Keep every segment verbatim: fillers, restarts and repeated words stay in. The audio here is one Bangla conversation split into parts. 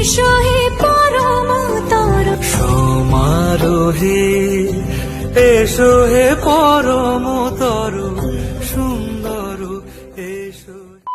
এসো হে পরমতর সমারোহে এসো হে পরমতর সুন্দর এসো।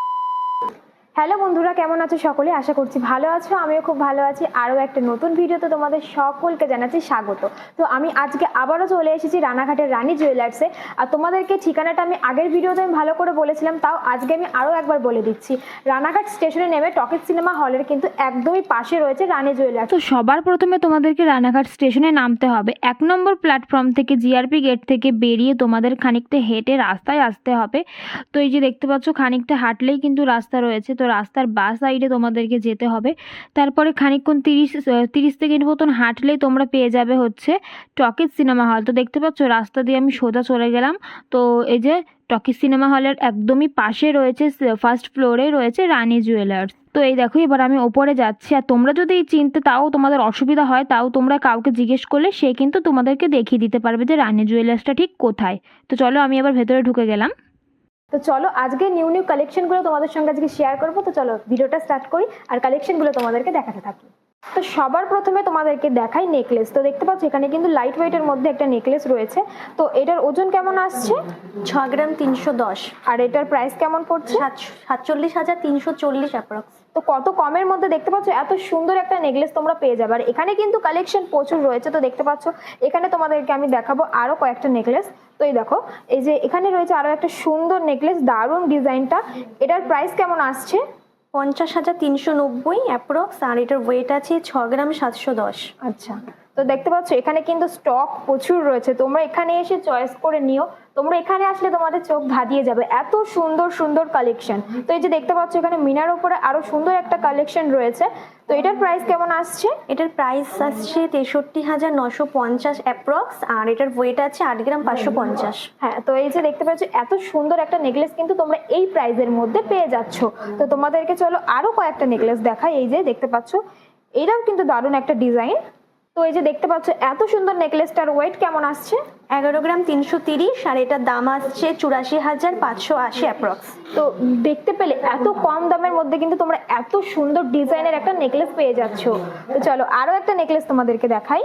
হ্যালো বন্ধুরা, কেমন আছো সকলে? আশা করছি ভালো আছো, আমিও খুব ভালো আছি। আরও একটা নতুন ভিডিওতে তোমাদের সকলকে জানাচ্ছি স্বাগত। তো আমি আজকে আবারও চলে এসেছি রানাঘাটের রানী জুয়েলার্সে। আর তোমাদেরকে ঠিকানাটা আমি আগের ভিডিওতে আমি ভালো করে বলেছিলাম, তাও আজকে আমি আরও একবার বলে দিচ্ছি। রানাঘাট স্টেশনে নেমে টকিজ সিনেমা হলের কিন্তু একদমই পাশে রয়েছে রানী জুয়েলার্স। তো সবার প্রথমে তোমাদেরকে রানাঘাট স্টেশনে নামতে হবে। এক নম্বর প্ল্যাটফর্ম থেকে জিআরপি গেট থেকে বেরিয়ে তোমাদের খানিকটা হেঁটে রাস্তায় আসতে হবে। তো এই যে দেখতে পাচ্ছ, খানিকটা হাঁটলেই কিন্তু রাস্তা রয়েছে। তো রাস্তার বাঁ সাইডে তোমাদেরকে যেতে হবে। তারপরে খানিকক্ষণ তিরিশ তিরিশ সেকেন্ড মতন হাঁটলেই তোমরা পেয়ে যাবে হচ্ছে টকিজ সিনেমা হল। তো দেখতে পাচ্ছ রাস্তা দিয়ে আমি সোজা চলে গেলাম। তো এই যে টকিজ সিনেমা হলের একদমই পাশে রয়েছে, ফার্স্ট ফ্লোরে রয়েছে রানী জুয়েলার্স। তো এই দেখো, এবার আমি ওপরে যাচ্ছি। আর তোমরা যদি চিনতে তাও তোমাদের অসুবিধা হয়, তাও তোমরা কাউকে জিজ্ঞেস করলে সে কিন্তু তোমাদেরকে দেখিয়ে দিতে পারবে যে রানী জুয়েলার্সটা ঠিক কোথায়। তো চলো আমি এবার ভেতরে ঢুকে গেলাম। তো চলো আজকে নিউ নিউ কালেকশনগুলো তোমাদের সঙ্গে আজকে শেয়ার করবো। তো চলো ভিডিওটা স্টার্ট করি আর কালেকশনগুলো তোমাদেরকে দেখাতে থাকি। তো সবার প্রথমে তোমাদেরকে দেখাই নেকলেস। তো দেখতে পাচ্ছ এখানে কিন্তু লাইট ওয়েটের মধ্যে একটা নেকলেস রয়েছে। তো এটার ওজন কেমন আসছে? ছ গ্রাম তিনশো দশ। আর এটার প্রাইস কেমন পড়ছে? সাতচল্লিশ হাজার তিনশো চল্লিশ অ্যাপ্রক্স। তো কত কমের মধ্যে দেখতে পাচ্ছ এত সুন্দর একটা নেকলেস তোমরা পেয়ে যাবে। আর এখানে কিন্তু কালেকশন প্রচুর রয়েছে। তো দেখতে পাচ্ছ এখানে তোমাদেরকে আমি দেখাবো আরো কয়েকটা নেকলেস। তো এই দেখো, এই যে এখানে রয়েছে আরো একটা সুন্দর নেকলেস, দারুণ ডিজাইনটা। এটার প্রাইস কেমন আসছে? পঞ্চাশ হাজার তিনশো নব্বই অ্যাপ্রক্স। আর এটার ওয়েট আছে ছ গ্রাম সাতশো দশ। আচ্ছা, তো দেখতে পাচ্ছ এখানে কিন্তু স্টক প্রচুর রয়েছে। তোমরা এখানে এসে চয়েস করে নিও। তোমরা এখানে আসলে তোমাদের চোখ ধাঁধিয়ে যাবে, এত সুন্দর সুন্দর কালেকশন। তো এই যে দেখতে পাচ্ছ এখানে মিনার উপরে আরো সুন্দর একটা কালেকশন রয়েছে। তো এটার প্রাইস কেমন আসছে? এটার প্রাইস আসছে তেষট্টি হাজার নশো পঞ্চাশ অ্যাপ্রক্স। আর এটার ওয়েট আছে আট গ্রাম পাঁচশো পঞ্চাশ। হ্যাঁ, তো এই যে দেখতে পাচ্ছ এত সুন্দর একটা নেকলেস কিন্তু তোমরা এই প্রাইসের মধ্যে পেয়ে যাচ্ছ। তো তোমাদেরকে চলো আরো কয়েকটা নেকলেস দেখাই। এই যে দেখতে পাচ্ছ এটাও কিন্তু দারুণ একটা ডিজাইন। তো এই যে দেখতে পাচ্ছ এত সুন্দর নেকলেসটার ওয়েট কেমন আসছে? এগারো গ্রাম তিনশো তিরিশ। আর এটার দাম আসছে চুরাশি হাজার পাঁচশো আশি অ্যাপ্রক্স। তো দেখতে পেলে এত কম দামের মধ্যে কিন্তু তোমরা এত সুন্দর ডিজাইনের একটা নেকলেস পেয়ে যাচ্ছ। তো চলো আরো একটা নেকলেস তোমাদেরকে দেখাই।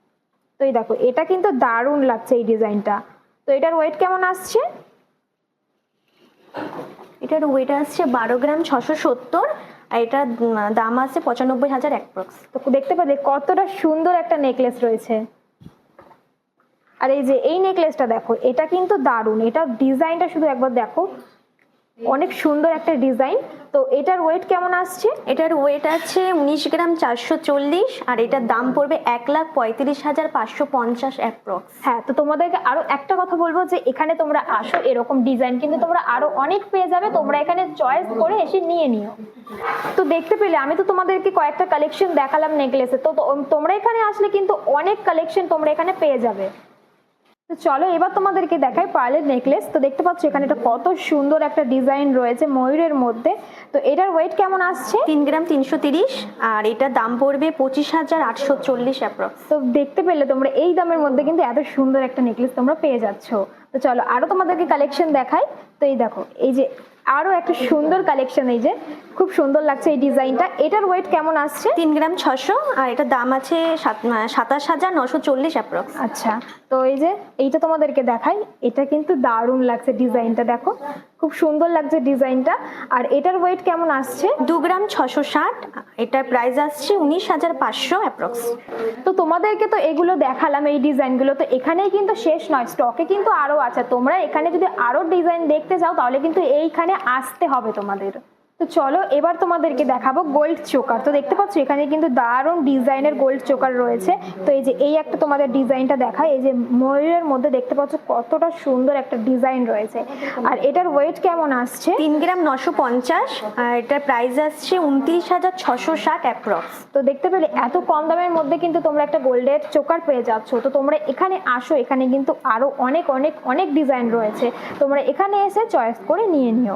তো এই দেখো, এটা কিন্তু দারুণ লাগছে এই ডিজাইনটা। তো এটার ওয়েট কেমন আসছে? এটার ওয়েট আসছে বারো গ্রাম ছশো সত্তর। আর এটার দাম আছে পঁচানব্বই হাজার অ্যাপ্রক্স। তো দেখতে পেলে কতটা সুন্দর একটা নেকলেস রয়েছে। আর এই যে এই নেকলেসটা দেখো, এটা কিন্তু দারুণ। এটা ডিজাইনটা শুধু একবার দেখো, অনেক সুন্দর একটা ডিজাইন। তো এটার ওয়েট কেমন আসছে? এটার ওয়েট আছে উনিশ গ্রাম চারশো চল্লিশ। আর এটার দাম পড়বে এক লাখ পঁয়ত্রিশ হাজার পাঁচশো পঞ্চাশ অ্যাপ্রক্স। হ্যাঁ, তো তোমাদেরকে আরো একটা কথা বলবো যে এখানে তোমরা আসো, এরকম ডিজাইন কিন্তু তোমরা আরো অনেক পেয়ে যাবে। তোমরা এখানে চয়েস করে এসে নিয়ে নিও। তো দেখতে পেলে আমি তো তোমাদেরকে কয়েকটা কালেকশন দেখালাম নেকলেসে। তো তোমরা এখানে আসলে কিন্তু অনেক কালেকশন তোমরা এখানে পেয়ে যাবে। তো চলো এবার তোমাদেরকে দেখাই পার্লের নেকলেস। তো দেখতে পাচ্ছ এখানে এটা কত সুন্দর একটা ডিজাইন রয়েছে ময়ূরের মধ্যে। তো এটার ওয়েট কেমন আসছে? তিন গ্রাম তিনশো তিরিশ। আর এটার দাম পড়বে পঁচিশ হাজার আটশো চল্লিশ অ্যাপ্রক্স। তো দেখতে পেলে তোমরা এই দামের মধ্যে কিন্তু এত সুন্দর একটা নেকলেস তোমরা পেয়ে যাচ্ছ। তো চলো আরো তোমাদেরকে কালেকশন দেখাই। তো এই দেখো, এই যে আরো একটা সুন্দর কালেকশন, এই যে খুব সুন্দর লাগছে এই ডিজাইনটা। এটার ওয়েট কেমন আসছে? তিন গ্রাম ছশো। আর এটার দাম আছে সাতাশ হাজার নশো চল্লিশ অ্যাপ্রক্স। আচ্ছা, তো এই যে এইটা তোমাদেরকে দেখাই। এটা কিন্তু দারুণ লাগছে ডিজাইনটা, দেখো খুব সুন্দর লাগছে ডিজাইনটা। আর এটার ওয়েট কেমন আসছে? দু গ্রাম ছশো ষাট। এটার প্রাইস আসছে উনিশ হাজার পাঁচশো অ্যাপ্রক্স। তো তোমাদেরকে তো এগুলো দেখালাম, এই ডিজাইনগুলো। তো এখানেই কিন্তু শেষ নয়, স্টকে কিন্তু আরো আছে। তোমরা এখানে যদি আরো ডিজাইন দেখতে চাও তাহলে কিন্তু এইখানে আসতে হবে তোমাদের। তো চলো এবার তোমাদেরকে দেখাবো গোল্ড চোকার। তো দেখতে পাচ্ছ এখানে কিন্তু দারুণ ডিজাইনের গোল্ড চোকার রয়েছে। তো এই যে এই একটা তোমাদের ডিজাইনটা দেখায়। এই যে ময়ূরের মধ্যে দেখতে পাচ্ছ কতটা সুন্দর একটা ডিজাইন রয়েছে। আর এটার ওয়েট কেমন আসছে? তিন গ্রাম নশো পঞ্চাশ। আর এটার প্রাইস আসছে উনত্রিশ হাজার ছশো ষাট অ্যাপ্রক্স। তো দেখতে পেলে এত কম দামের মধ্যে কিন্তু তোমরা একটা গোল্ডের চোকার পেয়ে যাচ্ছ। তো তোমরা এখানে আসো, এখানে কিন্তু আরো অনেক অনেক অনেক ডিজাইন রয়েছে। তোমরা এখানে এসে চয়েস করে নিয়ে নিও।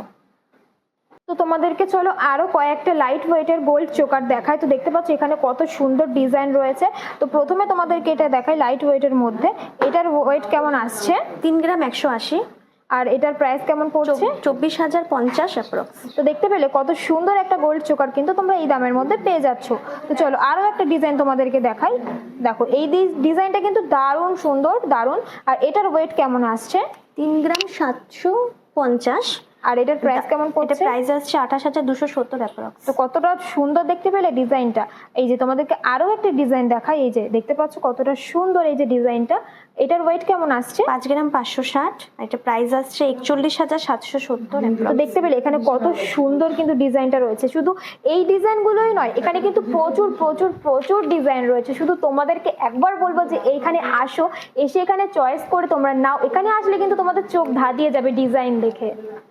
তো তোমাদেরকে চলো আরো কয়েকটা লাইট ওয়েটের গোল্ড চোকার দেখায়। তো দেখতে পাচ্ছ এখানে কত সুন্দর ডিজাইন রয়েছে। তো প্রথমে তোমাদেরকে এটা দেখাই লাইট ওয়েটের মধ্যে। এটার ওয়েট কেমন আসছে? তিন গ্রাম একশো আশি। আর এটার প্রাইস কেমন পড়ছে? চব্বিশ হাজার পঞ্চাশ অ্যাপ্রক্স। তো দেখতে পেলে কত সুন্দর একটা গোল্ড চোকার কিন্তু তোমরা এই দামের মধ্যে পেয়ে যাচ্ছ। তো চলো আরো একটা ডিজাইন তোমাদেরকে দেখাই। দেখো এই ডিজাইনটা কিন্তু দারুণ সুন্দর, দারুণ। আর এটার ওয়েট কেমন আসছে? তিন গ্রাম সাতশো পঞ্চাশ। আর এটার প্রাইস কেমন এটা পড়ছে? প্রাইস আসছে আঠাশ হাজার দুশো সত্তর অ্যাপ্রক্স। তো কতটা সুন্দর দেখতে পেলে ডিজাইনটা। এই যে তোমাদেরকে আরো একটা ডিজাইন দেখাই, এই যে দেখতে পাচ্ছ কতটা সুন্দর এই যে ডিজাইনটা। এটার ওয়েট কেমন আসছে? পাঁচ গ্রাম পাঁচশো ষাট। এটা প্রাইস আসছে একচল্লিশ হাজার সাতশো সত্তর। তো দেখতে পেলে এখানে কত সুন্দর কিন্তু ডিজাইনটা রয়েছে। শুধু এই ডিজাইনগুলোই নয়, এখানে কিন্তু প্রচুর প্রচুর প্রচুর ডিজাইন রয়েছে। শুধু তোমাদেরকে একবার বলবো যে এইখানে আসো, এসে এখানে চয়েস করে তোমরা নাও। এখানে আসলে কিন্তু তোমাদের চোখ ধাঁধিয়ে যাবে ডিজাইন দেখে।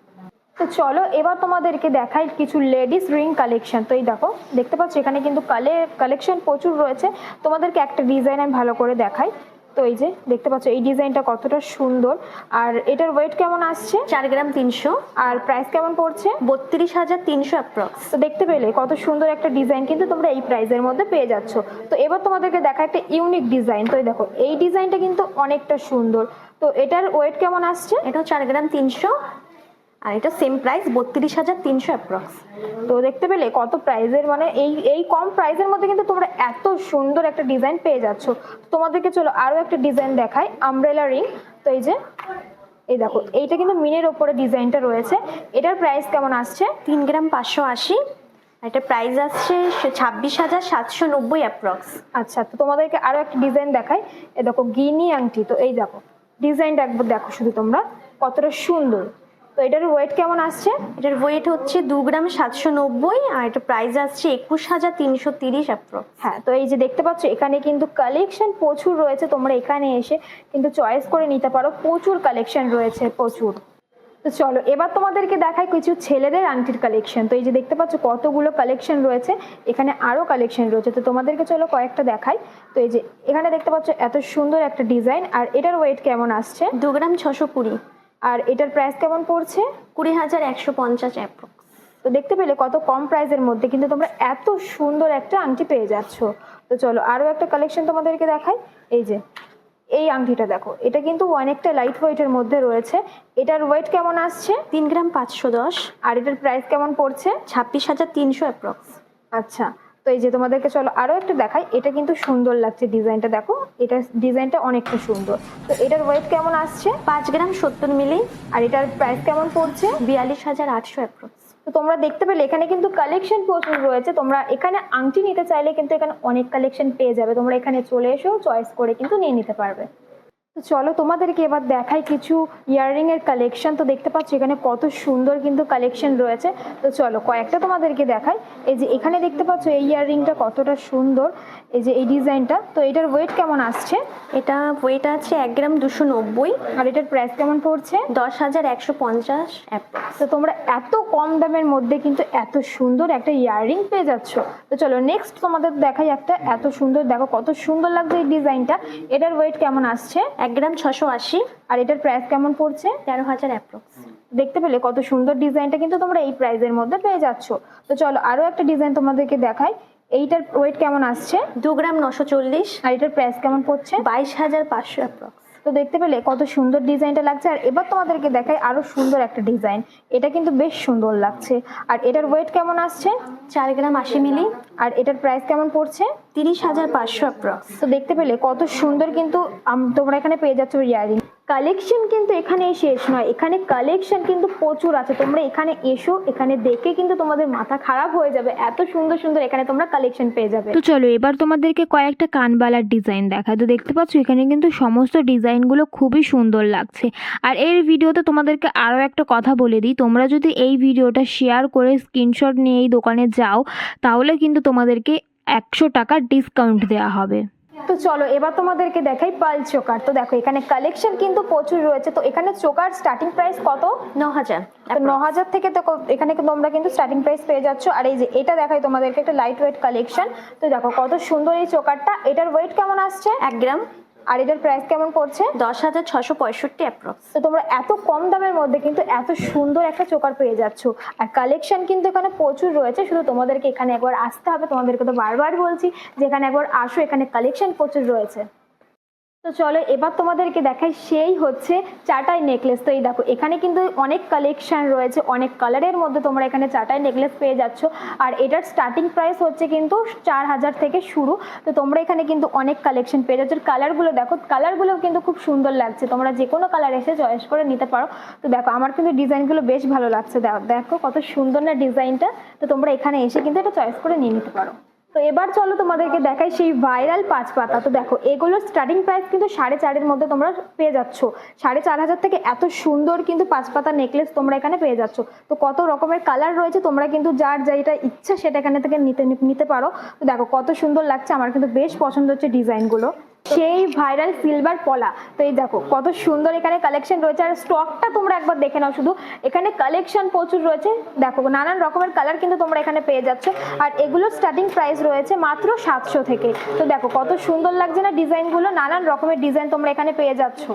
তো চলো এবার তোমাদেরকে দেখাই কিছু লেডিস রিং কালেকশন। তো এই দেখো দেখতে পাচ্ছ এখানে কিন্তু কালে কালেকশন প্রচুর রয়েছে। তোমাদেরকে একটা ডিজাইন আমি ভালো করে দেখাই। তো এই যে দেখতে পাচ্ছ এই ডিজাইনটা কতটা সুন্দর। আর এটার ওয়েট কেমন আসছে? চার গ্রাম তিনশো। আর প্রাইস কেমন পড়ছে? বত্রিশ হাজার তিনশো অ্যাপ্রক্স। তো দেখতে পেলে কত সুন্দর একটা ডিজাইন কিন্তু তোমরা এই প্রাইসের মধ্যে পেয়ে যাচ্ছ। তো এবার তোমাদেরকে দেখা একটা ইউনিক ডিজাইন। তো এই দেখো এই ডিজাইনটা কিন্তু অনেকটা সুন্দর। তো এটার ওয়েট কেমন আসছে? এটাও চার গ্রাম তিনশো। আর এটা সেম প্রাইস বত্রিশ হাজার তিনশো অ্যাপ্রক্স। তো দেখতে পেলে কত প্রাইসের, মানে এই এই কম প্রাইসের মধ্যে কিন্তু তোমরা এত সুন্দর একটা ডিজাইন পেয়ে যাচ্ছ। তোমাদেরকে চলো আরো একটা ডিজাইন দেখাই, আমব্রেলা রিং। তো এই যে এই দেখো এইটা কিন্তু মিনের ওপরে ডিজাইনটা রয়েছে। এটার প্রাইস কেমন আসছে? তিন গ্রাম পাঁচশো আশি। এটা প্রাইস আসছে ছাব্বিশ হাজার সাতশো নব্বই অ্যাপ্রক্স। আচ্ছা, তো তোমাদেরকে আরো একটা ডিজাইন দেখাই। এ দেখো গিনি আংটি। তো এই দেখো ডিজাইনটা একবার দেখো শুধু তোমরা কতটা সুন্দর। তো এটার ওয়েট কেমন আসছে? এটার ওয়েট হচ্ছে দু গ্রাম সাতশো নব্বই। আর এটা প্রাইস আসছে একুশ হাজার তিনশো তিরিশ অ্যাপ্রক্স। হ্যাঁ, তো এই যে দেখতে পাচ্ছ এখানে কিন্তু কালেকশন প্রচুর রয়েছে। তোমরা এখানে এসে কিন্তু চয়েস করে নিতে পারো, প্রচুর কালেকশন রয়েছে প্রচুর। তো চলো এবার তোমাদেরকে দেখাই কিছু ছেলেদের আংটির কালেকশন। তো এই যে দেখতে পাচ্ছ কতগুলো কালেকশন রয়েছে, এখানে আরো কালেকশন রয়েছে। তো তোমাদেরকে চলো কয়েকটা দেখাই। তো এই যে এখানে দেখতে পাচ্ছ এত সুন্দর একটা ডিজাইন। আর এটার ওয়েট কেমন আসছে? দু গ্রাম ছশো কুড়ি। আর এটার প্রাইস কেমন পড়ছে? কুড়ি হাজার একশো পঞ্চাশ অ্যাপ্রক্স। তো দেখতে পেলে কত কম প্রাইসের মধ্যে কিন্তু তোমরা এত সুন্দর একটা আংটি পেয়ে যাচ্ছ। তো চলো আরো একটা কালেকশন তোমাদেরকে দেখাই। এই যে এই আংটিটা দেখো, এটা কিন্তু অনেকটা লাইট ওয়েটের মধ্যে রয়েছে। এটার ওয়েট কেমন আসছে? তিন গ্রাম পাঁচশো দশ। আর এটার প্রাইস কেমন পড়ছে? ছাব্বিশ হাজার তিনশো অ্যাপ্রক্স। আচ্ছা, তো এই যে তোমাদেরকে চলো আরো একটা দেখাই। এটা কিন্তু সুন্দর লাগছে ডিজাইনটা, দেখো এটা ডিজাইনটা অনেকটা সুন্দর। তো এটার ওয়েট কেমন আসছে? পাঁচ গ্রাম সত্তর মিলি। আর এটার প্রাইস কেমন পড়ছে? বিয়াল্লিশ হাজার আটশো অ্যাপ্রক্স। তো তোমরা দেখতে পেলে এখানে কিন্তু কালেকশন প্রচুর রয়েছে। তোমরা এখানে আংটি নিতে চাইলে কিন্তু এখানে অনেক কালেকশন পেয়ে যাবে। তোমরা এখানে চলে এসেও চয়েস করে কিন্তু নিয়ে নিতে পারবে। তো চলো তোমাদেরকে এবার দেখাই কিছু ইয়াররিং এর কালেকশন। তো দেখতে পাচ্ছ এখানে কত সুন্দর কিন্তু কালেকশন রয়েছে। তো চলো কয়েকটা তোমাদেরকে দেখাই। এই যে এখানে দেখতে পাচ্ছ এই ইয়াররিংটা কতটা সুন্দর, এই যে এই ডিজাইনটা। তো এটার ওয়েট কেমন আসছে? এটা ওয়েট আছে এক গ্রাম দুশো নব্বই। আর এটার প্রাইস কেমন পড়ছে? দশ হাজার একশো পঞ্চাশ অ্যাপ্রক্স। তো তোমরা এত কম দামের মধ্যে কিন্তু এত সুন্দর একটা ইয়াররিং পেয়ে যাচ্ছ। তো চলো নেক্সট তোমাদের দেখাই একটা এত সুন্দর, দেখো কত সুন্দর লাগছে এই ডিজাইনটা। এটার ওয়েট কেমন আসছে? এক গ্রাম ছশো আশি। আর এটার প্রাইস কেমন পড়ছে? তেরো হাজার অ্যাপ্রক্স। দেখতে পেলে কত সুন্দর ডিজাইনটা কিন্তু তোমরা এই প্রাইসের মধ্যে পেয়ে যাচ্ছ। তো চলো আরো একটা ডিজাইন তোমাদেরকে দেখাই। এইটার ওয়েট কেমন আসছে? দু গ্রাম নশো চল্লিশ। আর এটার প্রাইস কেমন পড়ছে? বাইশ হাজার পাঁচশো অ্যাপ্রক্স। তো দেখতে পেলে কত সুন্দর ডিজাইনটা লাগছে। আর এবার তোমাদেরকে দেখাই আরো সুন্দর একটা ডিজাইন। এটা কিন্তু বেশ সুন্দর লাগছে। আর এটার ওয়েট কেমন আসছে? চার গ্রাম আশি মিলি। আর এটার প্রাইস কেমন পড়ছে? তিরিশ হাজার পাঁচশো অ্যাপ্রক্স। তো দেখতে পেলে কত সুন্দর কিন্তু আম- তোমরা এখানে পেয়ে যাচ্ছ ইয়ারিং কালেকশন। কিন্তু এখানে শেষ নয়, এখানে কালেকশন কিন্তু প্রচুর আছে। তোমরা এখানে এসো, এখানে দেখে কিন্তু তোমাদের মাথা খারাপ হয়ে যাবে, এত সুন্দর সুন্দর এখানে তোমরা কালেকশন পেয়ে যাবে। তো চলো এবার তোমাদেরকে কয়েকটা কানবালার ডিজাইন দেখায়। তো দেখতে পাচ্ছ এখানে কিন্তু সমস্ত ডিজাইনগুলো খুবই সুন্দর লাগছে। আর এর ভিডিওতে তোমাদেরকে আরও একটা কথা বলে দিই, তোমরা যদি এই ভিডিওটা শেয়ার করে স্ক্রিনশট নিয়ে এই দোকানে যাও তাহলে কিন্তু তোমাদেরকে একশো টাকার ডিসকাউন্ট দেওয়া হবে। তো চলো এবার তোমাদেরকে দেখাই পাল চোকার। তো দেখো এখানে কালেকশন কিন্তু প্রচুর রয়েছে। তো এখানে চোকার স্টার্টিং প্রাইস কত? ন হাজার। তো ন হাজার থেকে তো ক- এখানে কিন্তু তোমরা কিন্তু স্টার্টিং প্রাইস পেয়ে যাচ্ছ। আর এই যে এটা দেখাই তোমাদেরকে একটা লাইট ওয়েট কালেকশন। তো দেখো কত সুন্দর এই চোকারটা। এটার ওয়েট কেমন আসছে? এক গ্রাম। আর এটার প্রাইস কেমন পড়ছে? দশ হাজার ছশো পঁয়ষট্টি অ্যাপ্রক্স। তো তোমরা এত কম দামের মধ্যে কিন্তু এত সুন্দর একটা চোকার পেয়ে যাচ্ছ। আর কালেকশন কিন্তু এখানে প্রচুর রয়েছে। শুধু তোমাদেরকে এখানে একবার আসতে হবে। তোমাদেরকে তো বারবার বলছি যে এখানে একবার আসো, এখানে কালেকশন প্রচুর রয়েছে। তো চলো এবার তোমাদেরকে দেখাই সেই হচ্ছে চাটাই নেকলেস। তো এই দেখো এখানে কিন্তু অনেক কালেকশন রয়েছে, অনেক কালারের মধ্যে তোমরা এখানে চাটাই নেকলেস পেয়ে যাচ্ছ। আর এটার স্টার্টিং প্রাইস হচ্ছে কিন্তু চার হাজার থেকে শুরু। তো তোমরা এখানে কিন্তু অনেক কালেকশন পেয়ে যাচ্ছ। কালারগুলো দেখো, কালারগুলো কিন্তু খুব সুন্দর লাগছে, তোমরা যে কোনো কালার এসে চয়েস করে নিতে পারো। তো দেখো আমার কিন্তু ডিজাইনগুলো বেশ ভালো লাগছে, দেখো কত সুন্দর না ডিজাইনটা। তো তোমরা এখানে এসে কিন্তু এটা চয়েস করে নিয়ে নিতে পারো। তো এবার চলো তোমাদেরকে দেখাই সেই ভাইরাল পাঁচ পাতা। তো দেখো এগুলোর স্টার্টিং প্রাইস কিন্তু সাড়ে চারের মধ্যে তোমরা পেয়ে যাচ্ছ। সাড়ে চার হাজার থেকে এত সুন্দর কিন্তু পাঁচ পাতা নেকলেস তোমরা এখানে পেয়ে যাচ্ছ। তো কত রকমের কালার রয়েছে, তোমরা কিন্তু যার যেটা ইচ্ছা সেটা এখানে থেকে নিতে নিতে পারো। তো দেখো কত সুন্দর লাগছে, আমার কিন্তু বেশ পছন্দ হচ্ছে ডিজাইনগুলো। সেই ভাইরাল সিলভার পলা। তো এই দেখো কত সুন্দর এখানে কালেকশন রয়েছে। আর স্টকটা তোমরা একবার দেখে নাও, শুধু এখানে কালেকশন প্রচুর রয়েছে। দেখো নানান রকমের কালার কিন্তু তোমরা এখানে পেয়ে যাচ্ছ। আর এগুলোর স্টার্টিং প্রাইস রয়েছে মাত্র সাতশো থেকে। তো দেখো কত সুন্দর লাগছে না ডিজাইনগুলো, নানান রকমের ডিজাইন তোমরা এখানে পেয়ে যাচ্ছ।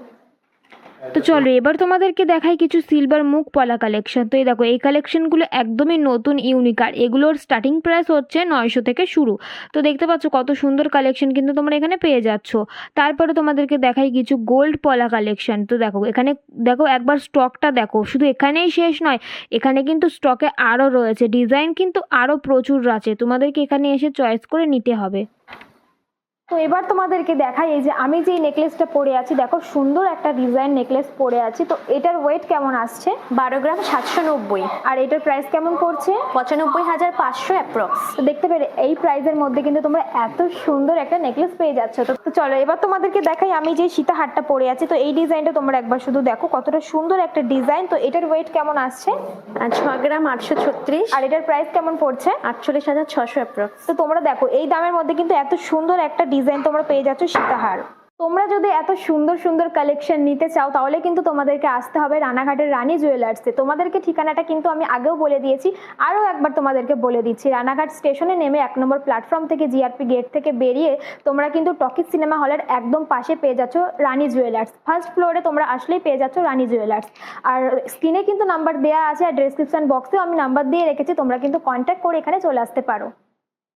তো চলো এবার তোমাদেরকে দেখাই কিছু সিলভার মুখ পলা কালেকশন। তো এই দেখো এই কালেকশনগুলো একদমই নতুন ইউনিক, আর এগুলোর স্টার্টিং প্রাইস হচ্ছে নয়শো থেকে শুরু। তো দেখতে পাচ্ছ কত সুন্দর কালেকশন কিন্তু তোমরা এখানে পেয়ে যাচ্ছ। তারপরে তোমাদেরকে দেখাই কিছু গোল্ড পলা কালেকশন। তো দেখো এখানে দেখো একবার স্টকটা দেখো, শুধু এখানেই শেষ নয়, এখানে কিন্তু স্টকে আরও রয়েছে, ডিজাইন কিন্তু আরও প্রচুর আছে, তোমাদেরকে এখানে এসে চয়েস করে নিতে হবে। তো এবার তোমাদেরকে দেখাই এই যে আমি যে নেকলেসটা পরে আছি, দেখো সুন্দর একটা ডিজাইন নেকলেস পরে আছি। তো এটার ওয়েট কেমন আসছে? বারো গ্রাম সাতশো নব্বই। আর এটার প্রাইস কেমন পড়ছে? পঁচানব্বই হাজার পাঁচশো অ্যাপ্রক্স। তো দেখতে পেরে এই প্রাইসের মধ্যে কিন্তু তোমরা এত সুন্দর একটা নেকলেস পেয়ে যাচ্ছ। তো তো চলো এবার তোমাদেরকে দেখাই আমি যে সীতাহারটা পরে আছি। তো এই ডিজাইনটা তোমরা একবার শুধু দেখো কতটা সুন্দর একটা ডিজাইন। তো এটার ওয়েট কেমন আসছে? আর ছ গ্রাম আটশো ছত্রিশ। আর এটার প্রাইস কেমন পড়ছে? আটচল্লিশ হাজার ছশো অ্যাপ্রক্স। তো তোমরা দেখো এই দামের মধ্যে কিন্তু এত সুন্দর একটা ডিজাইন তোমরা পেয়ে যাচ্ছ সীতাহার। তোমরা যদি এত সুন্দর সুন্দর কালেকশন নিতে চাও তাহলে কিন্তু তোমাদেরকে আসতে হবে রানাঘাটের রানী জুয়েলার্সে। তোমাদেরকে ঠিকানাটা কিন্তু আমি আগেও বলে দিয়েছি, আরও একবার তোমাদেরকে বলে দিচ্ছি। রানাঘাট স্টেশনে নেমে এক নম্বর প্ল্যাটফর্ম থেকে জিআরপি গেট থেকে বেরিয়ে তোমরা কিন্তু টকিজ সিনেমা হলের একদম পাশে পেয়ে যাচ্ছ রানী জুয়েলার্স। ফার্স্ট ফ্লোরে তোমরা আসলেই পেয়ে যাচ্ছ রানী জুয়েলার্স। আর স্ক্রিনে কিন্তু নাম্বার দেওয়া আছে, আর ডেসক্রিপশন বক্সেও আমি নাম্বার দিয়ে রেখেছি, তোমরা কিন্তু কন্ট্যাক্ট করে এখানে চলে আসতে পারো।